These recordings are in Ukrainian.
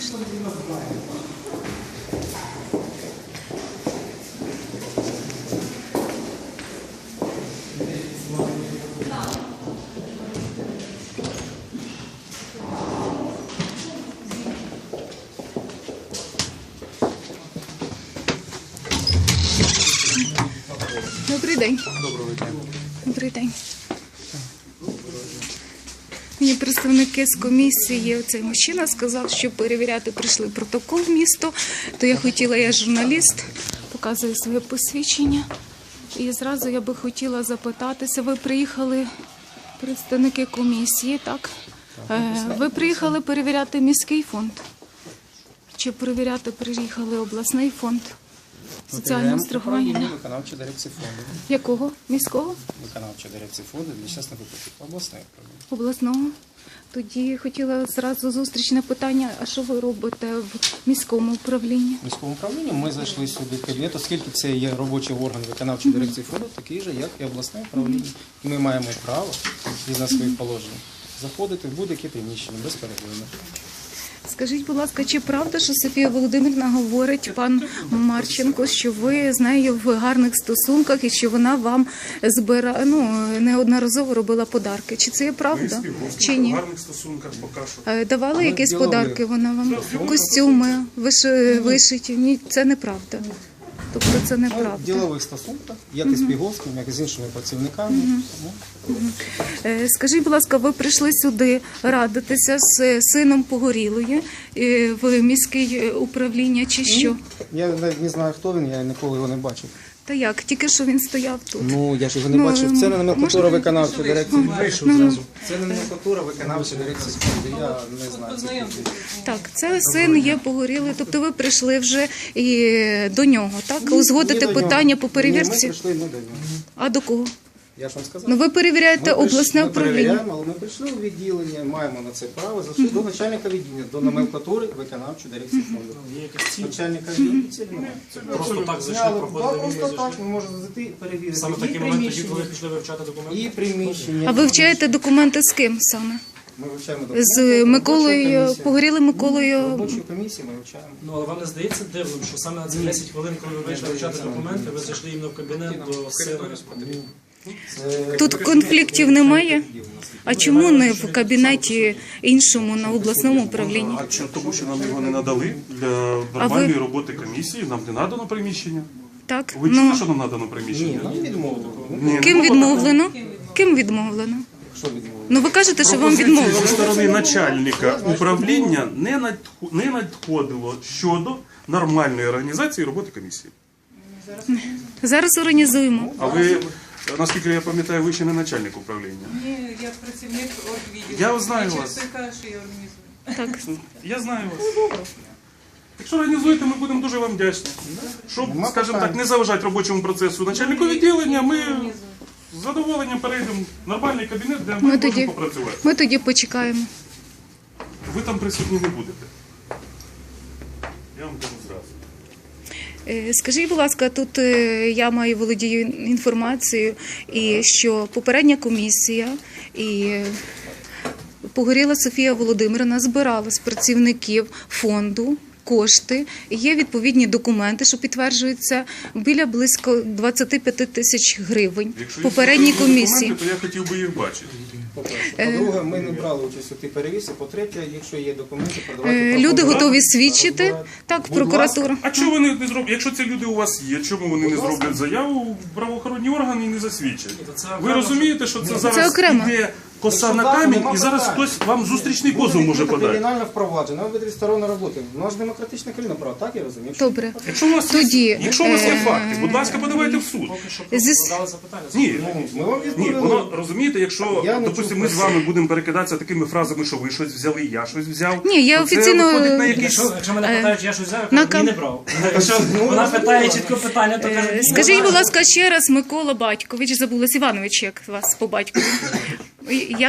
Добрий день. Доброго дня. Добрий день. Мені представники з комісії, цей мужчина сказав, що перевіряти прийшли протокол в місто, то я хотіла, я журналіст, показую своє посвідчення. І зразу я би хотіла запитатися, ви приїхали, представники комісії, так? Ви приїхали перевіряти міський фонд? Чи перевіряти приїхали обласний фонд соціального страхування? Виконавча дирекція фонду. Якого? Міського? Виконавча дирекція фонду для щасних випадків. Обласне управління. Обласного. Тоді хотіла зразу зустрічне питання, а що ви робите в міському управлінні? В міському управлінні ми зайшли сюди в кабінет, оскільки це є робочий орган виконавчої дирекції фонду, такий же, як і обласне управління. І ми маємо право, згідно своїх положень, заходити в будь-яке приміщення безперервно. Скажіть, будь ласка, чи правда, що Софія Володимирівна говорить, пан Марченко, що ви з нею в гарних стосунках і що вона вам неодноразово робила подарки? Чи це є правда? Чи ні? В гарних стосунках поки що. Давали якісь подарки вона вам? Костюми, вишиті? Ні, це неправда. Тобто це неправда. В ділових стосунках, як і з Піговським, як і з іншими працівниками. Скажіть, будь ласка, ви прийшли сюди радитися з сином Погорілої в міське управління чи що? Я навіть не знаю, хто він, я ніколи його не бачив. Та як? Тільки що він стояв тут. Ну, я ж його не бачив. Це не номенклатура виконавчої дирекції. Вийшов зразу. Це не номенклатура виконавчої дирекції фонду. Я не знаю. Так, це син є Погорілий, тобто ви прийшли вже і до нього, так? Узгодити питання по перевірці? Ні, ми прийшли не до нього. А до кого? Я ж вам сказав. Ну ви перевіряєте обласне Ми управління. перевіряємо, але ми прийшли у відділення, маємо на це право, зайшли до начальника відділення, до номенклатури виконавчої дирекції фонду. Є якась ціль. Начальника відділення цілі немає. Просто так зайшли, Зняли, проходили, просто зайшли. так, ми можемо зайти перевірити. Саме І такий момент, тоді, приміщення, коли пішли вивчати документи. і приміщення. А ви вивчаєте документи з ким саме? Ми вивчаємо документи. З Миколою, Погорілим Миколою? Робочої комісії ми вивчаємо. Ну, але вам не здається дивним, що саме на ці 10 хвилин, коли ви вийшли вивчати документи, ви зайшли іменно в кабінет до сина? Тут конфліктів немає? А чому не в кабінеті іншому на обласному управлінні? А чому? Тому що нам його не надали для нормальної роботи комісії, нам не надано приміщення. Так? Ви чули, що нам надано приміщення? Ні, нам відмовили. Ні, Ким ну, відмовлено? Ким відмовлено? Що відмовили? Ну ви кажете, що вам пропозиції відмовили. зі сторони начальника управління не надходило щодо нормальної організації роботи комісії. Зараз організуємо. А ви, наскільки я пам'ятаю, ви ще не начальник управління. Ні, я працівник оргвідділу. Я знаю вас. Часто кажу, що я організую. Так. Я знаю вас. Якщо організуєте, ми будемо дуже вам вдячні. Щоб, скажімо так, не заважати робочому процесу начальнику відділення, ми з задоволенням перейдемо в нормальний кабінет, де ми можемо попрацювати. Ми тоді почекаємо. Ви там присутні не будете. Я вам кажу зразу. Скажіть, будь ласка, тут я володію інформацією, і що попередня комісія і Погоріла Софія Володимирівна збирала з працівників фонду кошти, є відповідні документи, що підтверджуються біля близько 25 тисяч гривень Якщо попередній є комісії. документи, то я хотів би їх бачити. По-друге, ми не брали участь у тій перевірці. По-третє, якщо є документи, продавайте. Люди готові свідчити, так, в Будь прокуратуру. А чого вони не зроблять? Якщо ці люди у вас є, чому вони не зроблять заяву в правоохоронні органи і не засвідчать? Ви розумієте, що це зараз окремо. іде коса на камінь, і зараз хтось вам зустрічний позов може подати. Кримінальне впровадження, ви тристоронна робота. У нас демократична країна, правда, так я розумію? Добре. Якщо у вас Тоді, якщо у вас є факти, будь ласка, подавайте в суд. Поки що Зі- просто задали запитання. Ні, Ми вам ні, відповіли. воно розумієте, якщо Я не допустимо, чув ми з про вами будемо перекидатися такими фразами, що ви щось взяли, я щось взяв. Ні, я то це офіційно- виходить на якісь. Якщо мене питають, я щось взяв, я на кажу, ні, не брав. Якщо вона питає чітко питання, то каже, ні, Скажіть, будь ласка, ще раз, Микола Батькович, забулась Іванович, як вас по батькові. Як?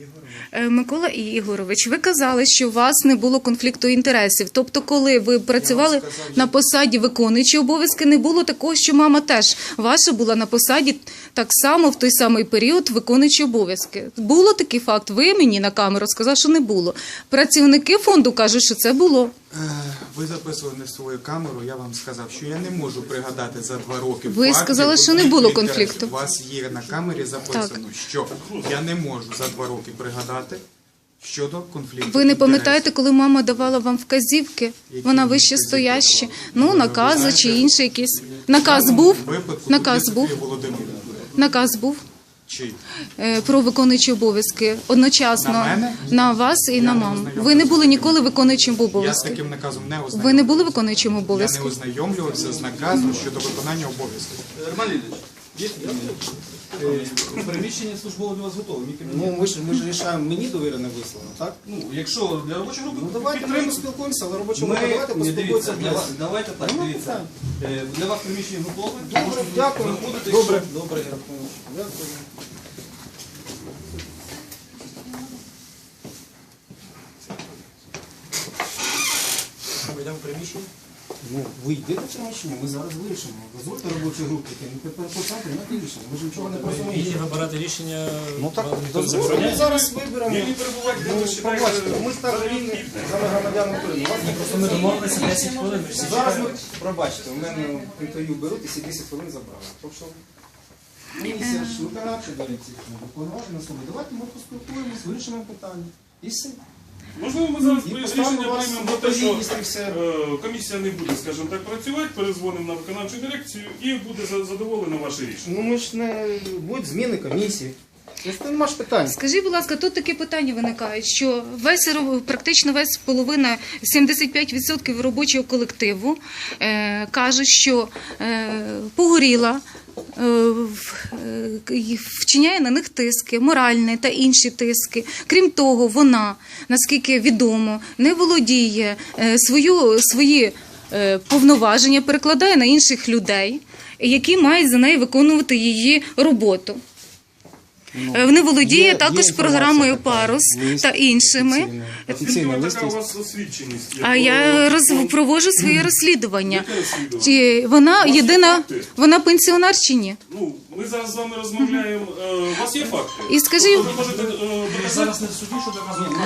Микола Ігорович, ви казали, що у вас не було конфлікту інтересів. Тобто, коли ви працювали на посаді виконуючі обов'язки, не було такого, що мама теж ваша була на посаді так само в той самий період виконуючі обов'язки. Було такий факт? Ви мені на камеру сказали, що не було. Працівники фонду кажуть, що це було. Ви записували на свою камеру, я вам сказав, що я не можу пригадати за 2 роки. Ви фактів сказали, що не було конфлікту конфлікту. інтересів. У вас є на камері записано, що я не можу за 2 роки пригадати щодо конфлікту. Ви не пам'ятаєте, інтересів. коли мама давала вам вказівки? Які Вона вказівки вище стоящі. давала? Ну, Ви накази знаєте, чи інші якісь. Наказ був? В випадку Наказ тут був? Софія Володимирівна. Наказ був Чий? про виконуючі обов'язки одночасно На мене? на вас і на не маму. ознайомлювався. Ви не були ніколи виконуючим Я з обов'язків. таким наказом не ознайомлювався. Ви не були виконуючим Я не обов'язків? ознайомлювався з наказом щодо виконання обов'язків. Роман Ильич, есть приміщення службове для вас готове. Ну, ми ж рішаємо, мені довірене висловно, так? Ну, якщо для робочої групи, Ну, давайте ми поспілкуємося, але робоча Ми, група, давайте дивіться, поспілкуємося для без. вас, давайте так, Нема дивіться. Для вас приміщення готове. Добре, Можете дякую. заходити, Добре, щоб- добре, дякую. Дякую. Ми йдемо в приміщення. Ну, ви йдете в приміщення, ми зараз вирішимо. Дозвольте робочій групі, тепер по центру приймати рішення. Ми ж нічого не І розуміємо. вибирати рішення. Ну так, вам ніхто не дозвольте, ми забороняє. зараз виберемо. Вільні перебувати, де ви Ну, вважаєте, побачите, ми ж так рівні за громадян України. Вас не Просто ми домовилися 10 хвилин, ми всі Зараз ми, чекаємо. пробачте, у мене інтерв'ю беруть і всі 10 хвилин забрали. Тобто, місія ж виконавча дирекція, повноважена особа. Давайте ми поспілкуємось, вирішимо питання. І все. Можливо, ми зараз І рішення поставимо вас приймемо в про те, що відповідність і все. комісія не буде, скажімо так, працювати, перезвонимо на виконавчу дирекцію і буде задоволено ваше рішення. Ну ми ж не будуть зміни комісії. Тобто нема ж питань. Скажіть, будь ласка, тут такі питання виникають, що практично весь половина, 75% робочого колективу кажуть, що погоріла, вчиняє на них тиски, моральні та інші тиски. Крім того, вона, наскільки відомо, не володіє свої повноваження, перекладає на інших людей, які мають за неї виконувати її роботу. Не володіє є також інформація програмою така, «Парус» лист та іншими. офіційний. Звідки Офіційний лист. така у є. вас освідченість? А я проводжу своє розслідування. Яке розслідування? Чи вона У вас є єдина, факти? вона пенсіонер чи ні? Ну, ми зараз з вами розмовляємо. У вас є факти? І скажіть, Тобто ви можете доказати? Зараз не в суді, що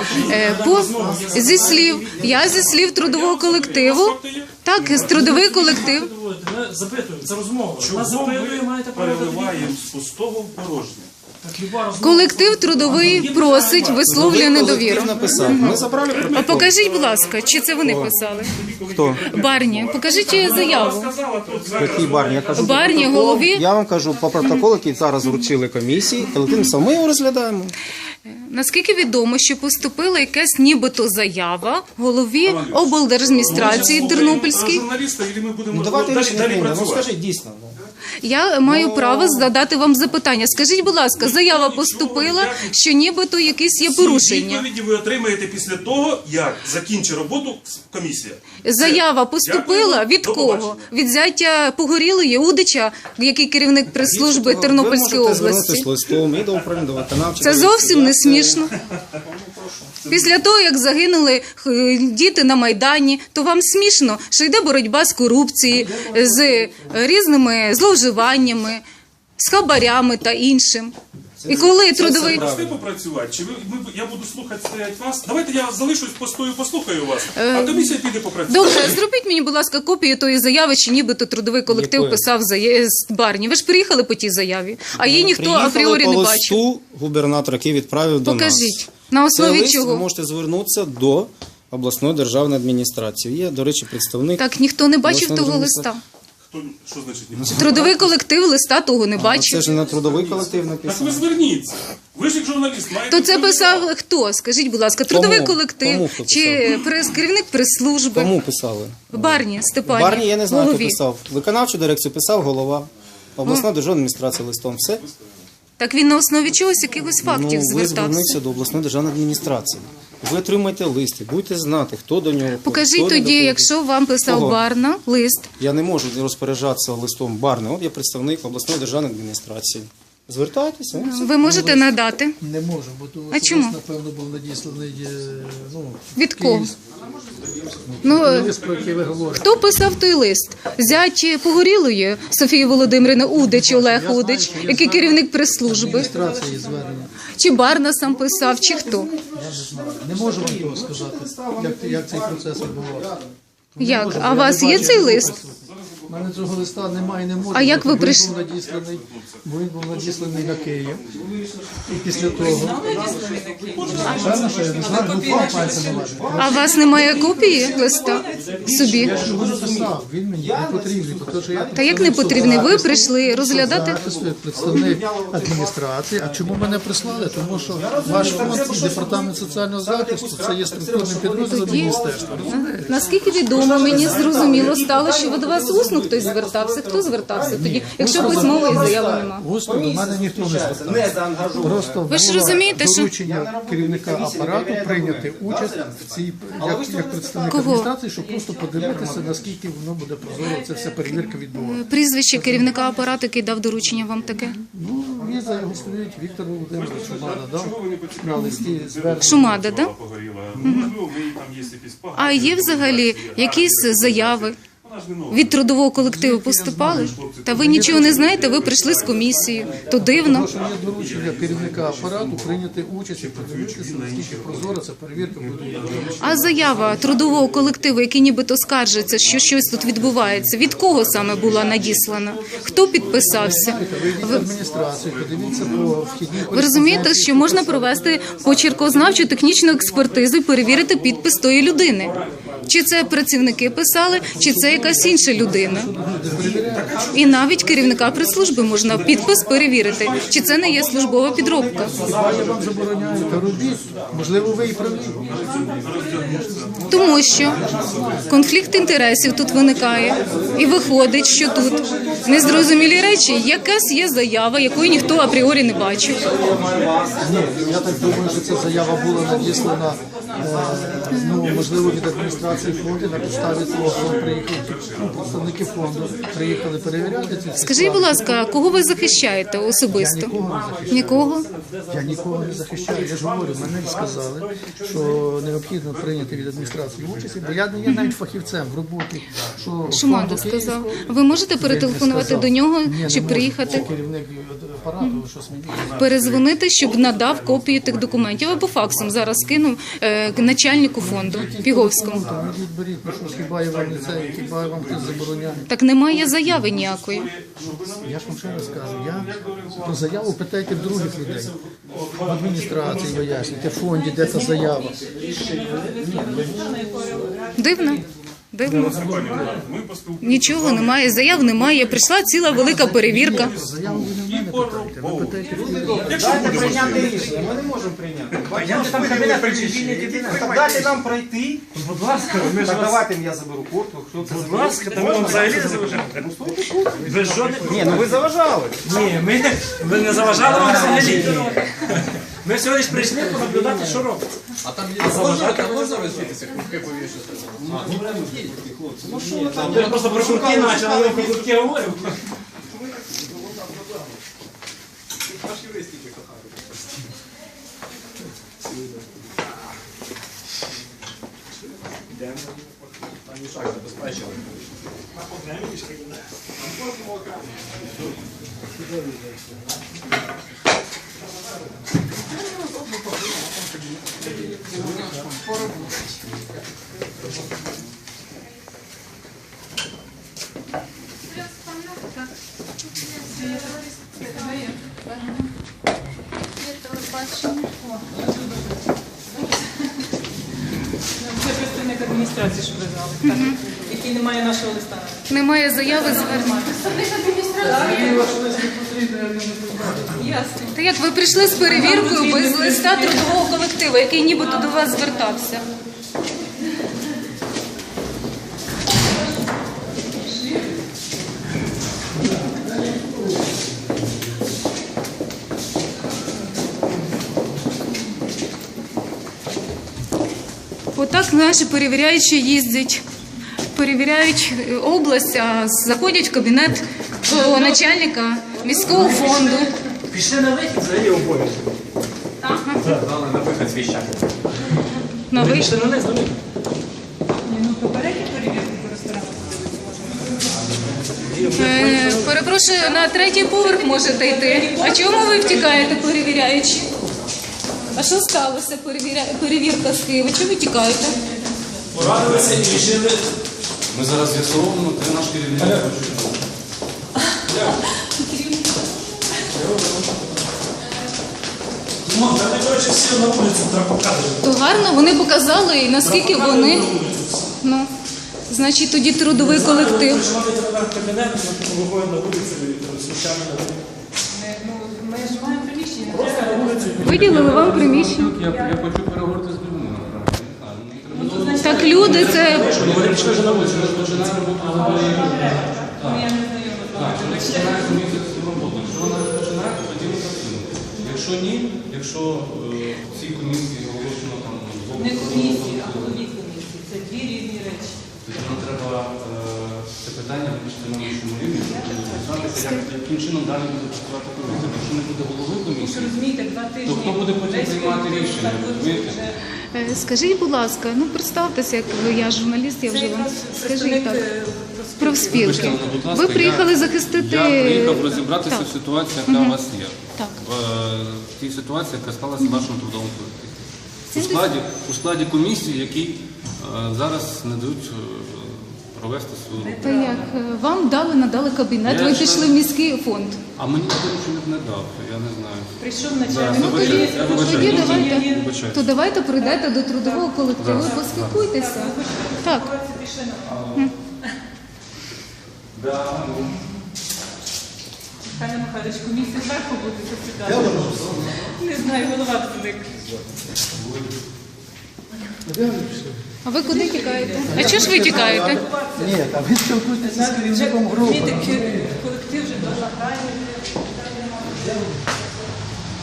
доказувати. зі слів, я зі слів трудового колективу, Факти є? так, з трудовий колектив. Ми запитуємо, це розмова. Нас Чого запитує, ми маєте право переливаємо з пустого в порожнє? Так, люба розмова. Колектив трудовий просить, висловлює недовіру. Колектив написав. Ми забрали А протокол. покажіть, будь ласка, чи це вони писали? Хто? Барні, покажіть заяву. Сказала тут зараз. Який Барні? Я кажу, Барні, протокол. голові. Я вам кажу по протоколу, який зараз вручили комісії. Колектив написав, ми його розглядаємо. Наскільки відомо, що поступила якась нібито заява голові облдержадміністрації Тернопільській. Журналіста, і ми будемо Ну давайте далі рішення приймемо. Ну працювати. скажіть дійсно. ну. Я маю право задати вам запитання. Скажіть, будь ласка, заява поступила, що нібито якісь є порушення. Відповіді ви отримаєте після того, як закінчить роботу комісія. Заява поступила Дякую. від До кого? побачення. Від зятя Погорілої Удича, який керівник прес-служби Тернопільської Ви можете області. звернутися з листом і до управління, до виконавчої. Це зовсім не смішно. Це- Після того, як загинули діти на Майдані, то вам смішно, що йде боротьба з корупцією, з різними зловживаннями, з хабарями та іншим. І коли трудовий... Прости попрацювати, чи я буду слухати стоять вас? Давайте я залишусь, постою, послухаю вас, а комісія піде попрацює. Добре, зробіть мені, будь ласка, копію тої заяви, чи нібито трудовий колектив Якої? писав з Барні. Ви ж приїхали по тій заяві, а її ніхто Приїхали апріорі по не бачив. листу губернатор, який відправив до нас. Покажіть, на Цей основі лист ви чого. можете звернутися до обласної державної адміністрації. Є, до речі, представник. Так, ніхто не бачив Обласної того адміністрації. листа. Хто, що значить ні? Трудовий колектив листа того не Це бачив. ж не на трудовий колектив Так ви написано. зверніться. Ви ж як журналіст маєте... То це впливати. писав хто? Скажіть, будь ласка, трудовий Кому? колектив Кому хто чи керівник прес-служби? Кому писали? Барні, Степані, Барні, я не знаю, хто голові. писав. Виконавчу дирекцію писав голова. Обласна державна адміністрація листом. Все. Так він на основі чогось, якихось фактів Ну, ви звертався. звернуться до обласної державної адміністрації. Ви отримаєте листи, будете знати, хто до нього. Покажіть хто не тоді, доходить. якщо вам писав Кого? Барна лист. Я не можу розпоряджатися листом Барни. От я представник обласної державної адміністрації. Звертайтеся. ну, все. Ви можете надати? Не можу, бо тому А що чому? лист, напевно, був надісланий Від кого? Ну, лист, про який ви говорите. хто писав той лист? Зять Погорілої Софії Володимирівни Удич, Олег Удич, який керівник прес-служби? Адміністрації звернення. Чи Барна сам писав, чи хто? Я не знаю. Не можу вам того сказати, як цей процес відбувався. Як? А у вас є цей лист? У мене цього листа немає, не можу. А як ви Бо він прийшли? був надісланий, бо він був надісланий на Київ. І після того... Певно, що я не знаю, ну впав пальцем на мене. А у вас немає копії листа собі? Я ж його написав, він мені не потрібний, тому що я... Та як не потрібний? Ви прийшли розглядати? Захисту, як представник адміністрації. А чому мене прислали? Тому що ваш фонд і департамент соціального захисту це є структурним підрозділом міністерства. Розумієте? Наскільки відомо, мені зрозуміло стало, що до вас усно хтось звертався. Хто звертався тоді, якщо письмової заяви нема? Усно до мене ніхто не звертався. Просто Ви ж було розумієте, що- доручення керівника апарату прийняти участь в цій як представник Кого? адміністрації, щоб просто подивитися, наскільки воно буде прозоро. Це вся перевірка відбувається. Прізвище керівника апарату, який дав доручення вам таке? Ну, віза його стоїть Віктор Володимирович Шумада, дав на листі звернення. Шумада, да? А є взагалі якісь заяви від трудового колективу поступали? Та ви нічого не знаєте, ви прийшли з комісією. То дивно. Тому що є доручення керівника апарату прийняти участь і подивитися, наскільки прозоро ця перевірка буде. А заява трудового колективу, який нібито скаржиться, що щось тут відбувається, від кого саме була надіслана? Хто підписався? Вийдіть в адміністрацію, подивіться по вхідній Ви розумієте, що можна провести почеркознавчу технічну експертизу і перевірити підпис тої людини? Чи це працівники писали, чи це якась інша людина? І навіть керівника прес-служби можна підпис перевірити, чи це не є службова підробка. Я вам забороняю, та робіть. Можливо, ви і праві. Тому що конфлікт інтересів тут виникає. І виходить, що тут незрозумілі речі, якась є заява, якої ніхто апріорі не бачив. Ні, я так думаю, що ця заява була надіслана, можливо, від адміністрації фонду на підставі того, що приїхали представники фонду, приїхали перевіряти ці Скажіть, будь ласка, кого ви захищаєте особисто? Нікого не захищаю. Нікого? Я нікого не захищаю. Я ж говорю, мене сказали, що необхідно прийняти від адміністрації участь, бо я не є навіть фахівцем в роботі. Шумада фонду сказав. Київського. Ви можете Він перетелефонувати сказав. до нього Ні, не чи можу. приїхати? Це керівник апарату, щось мені. Перезвонити, щоб надав копію тих документів, або факсом зараз скинув начальнику фонду Піговському. Там ідіть, беріть, ну що ж, хіба я вам не це, хіба вам хтось забороняє. Так немає заяви ніякої. Я ж вам ще раз кажу, я про заяву питайте в других людей. В адміністрації вияснюйте, в фонді, де та заява. Дивно. Дивно. Нічого немає, заяв немає. Прийшла ціла велика перевірка. Заяву ви не в мене питайте, ви питайте в людей. Дайте прийняти рішення, ми не можемо прийняти. Там кабінет приміщення, так дайте нам пройти. Будь ласка, ми ж Так вас... давайте я заберу куртку. Хто це Будь ласка, та ми вам взагалі не заважаємо. Ви що не... Ні, ну ви заважали. Ні, ми не заважали вам взагалі. Ми всього лиш прийшли понаблюдати, що робиться. А там можна розвітися, куртки повішати? Ви просто про куртки почали, а ми про куртки говоримо. Це представник адміністрації, що ви знали, так? Який не має нашого листа. Немає заяви звернення. Ясно. Та як ви прийшли з перевіркою без листа трудового колективу, який нібито до вас звертався? Отак наші перевіряючі їздять, перевіряють область, а заходять в кабінет до начальника міського фонду Пішли на вихід, взагалі обов'язок. Дали на вихід свій час. На Ми ви... пішли на низ, на вихід. Ну, попередньо перевірку по ресторану подивитися можна. Перепрошую, на третій поверх можете йти. А чому ви втікаєте, перевіряючи? А що сталося? Перевірка з Києва. Чому ви тікаєте? Порадилися і рішили. Ми зараз з'ясовуємо, де наш керівник. Ну, та не коротше всі на вулицю треба показувати. То гарно, вони показали, і наскільки вони. Ну, значить, тоді трудовий колектив. Прийшли в кабінет, ми виходимо на вулицю, смущаємо на вулицю. Ну, ми ж маємо приміщення. Просто на вулицю. Виділили вам приміщення. Я хочу переговорити з людьми, насправді. Ну, значить, Так люди, це Вони пішли вже на вулицю. Ми починаємо роботу взагалі. ну, я не знайома з вами. Так, починаємо місяць цю роботу. Якщо вона розпочинається, тоді ми працюємо. Якщо ні, якщо в цій комісії оголошено там Не комісії, а голові комісії. Це дві різні речі. тоді нам треба це питання вирішити на нашому рівні, щоб дізнатися, яким чином далі буде працювати комісія. Якщо не буде голови Ви ж комісії, розумієте, 2 тижні. то хто буде потім весь приймати колектив рішення, так розумієте? вже- скажіть, будь ласка, ну представтеся, як ви, я журналіст, я Це вже вам якраз скажіть представник, так. Профспілки. Вибачте мене, будь ласка, Ви приїхали захистити. Я приїхав розібратися Так. в ситуації, яка у вас є. Так. В тій ситуації, яка сталася в вашому трудовому колективі. У складі комісії, які зараз не дають провести свою роботу. Та як? Вам надали кабінет, Я ви ще- пішли в міський фонд. А мені ніхто нічого не дав, я не знаю. Прийшов Зараз, начальник вибачайте, поліції. я вибачаю. Тоді Ну, давайте, вибачаю. то давайте прийдете до трудового колективу і поспілкуйтеся. Так. Михайло Михайлович, комісія зверху буде засідати. Не знаю, голова зник. А ви куди тікаєте? А чого ж ви тікаєте? Ні, там ви спілкуєтеся з керівником групи. Колектив вже дуже грає.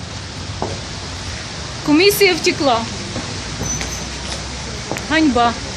Комісія втекла. Ганьба.